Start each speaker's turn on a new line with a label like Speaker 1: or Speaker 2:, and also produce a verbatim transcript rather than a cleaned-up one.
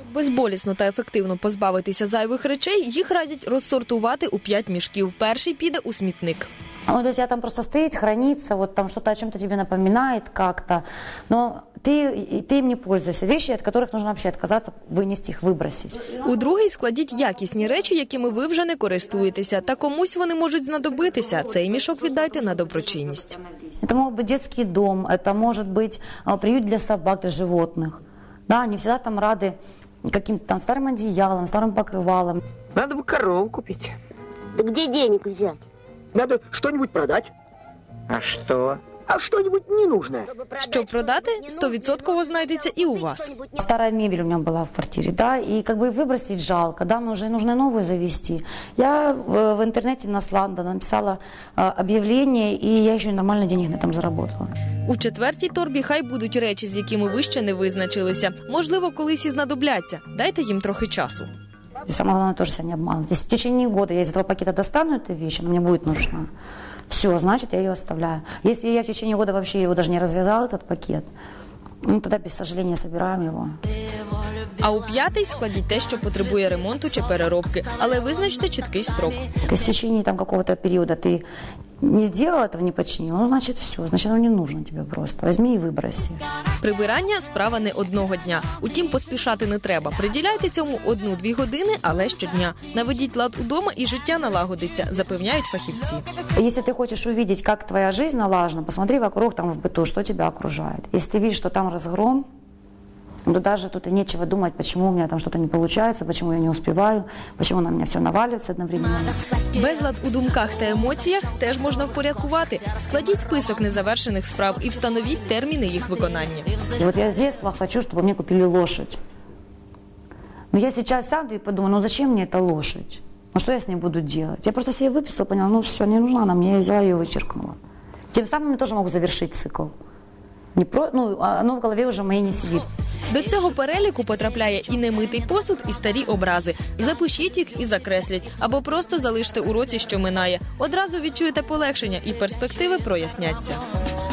Speaker 1: Безболісно та ефективно позбавитися зайвих речей їх радять розсортувати у п'ять мішків. Перший піде у смітник.
Speaker 2: Он у тебя там просто стоит, хранится, вот там что-то о чем-то тебе напоминает как-то, но ты, ты им не пользуешься. Вещи, от которых нужно вообще отказаться, вынести их, выбросить.
Speaker 1: У другий складіть якісні речі, якими ви вже не користуєтеся, та комусь вони можуть знадобитися. Цей мішок віддайте на доброчинність.
Speaker 2: Это может быть детский дом, это может быть приют для собак, для животных. Да, они всегда там рады каким-то там старым одеялом, старым покрывалом.
Speaker 3: Надо бы корову купить.
Speaker 4: Да где денег взять?
Speaker 3: Надо что-нибудь продать. А что? А что-нибудь ненужное.
Speaker 1: Щоб продати, стовідсотково знайдеться і у вас.
Speaker 2: Старая мебель у меня была в квартире, да, и как бы выбросить жалко, да, но уже нужно новую завести. Я в, в интернете на Сланда написала э, объявление, и я еще нормально денег на этом заработала.
Speaker 1: У четвертій торбі хай будуть речі, з якими ви ще не визначилися. Можливо, колись і знадобляться. Дайте їм трохи часу.
Speaker 2: И самое главное, тоже себя не обманывать. Если в течение года я из этого пакета достану эту вещь, она мне будет нужна, все, значит, я ее оставляю. Если я в течение года вообще его даже не развязала, этот пакет, ну, тогда без сожаления собираем его.
Speaker 1: А у п'ятий складіть те, що потребує ремонту чи переробки, але визначте чіткий строк.
Speaker 2: Если в течение там какого-то периода ты не сделал этого, не починил, ну, значит, все, значит, оно не нужно тебе просто. Возьми и выброси.
Speaker 1: Прибирання – справа не одного дня. Утім, поспішати не треба. Приділяйте цьому одну-дві години, але щодня. Наведіть лад удома і життя налагодиться, запевняють фахівці.
Speaker 2: Если ты хочешь увидеть, как твоя жизнь налажена, посмотри вокруг там в быту, что тебя окружает. Если ты видишь, что там разгром, то даже тут и нечего думать, почему у меня там что-то не получается, почему я не успеваю, почему на меня все наваливается одновременно.
Speaker 1: Безлад у думках та емоціях теж можна впорядкувати. Складіть список незавершених справ і встановіть терміни їх виконання.
Speaker 2: И вот я с детства хочу, чтобы мне купили лошадь. Но я сейчас сяду и подумаю, ну зачем мне эта лошадь? Ну что я с ней буду делать? Я просто себе выписала, поняла, ну все, не нужна она мне, я взяла ее и вычеркнула. Тем самым я тоже могу завершить цикл. Не про, ну, оно в голове уже моей не сидит.
Speaker 1: До цього переліку потрапляє і немитий посуд, і старі образи. Запишіть їх і закресліть. Або просто залиште у році, що минає. Одразу відчуєте полегшення і перспективи проясняться.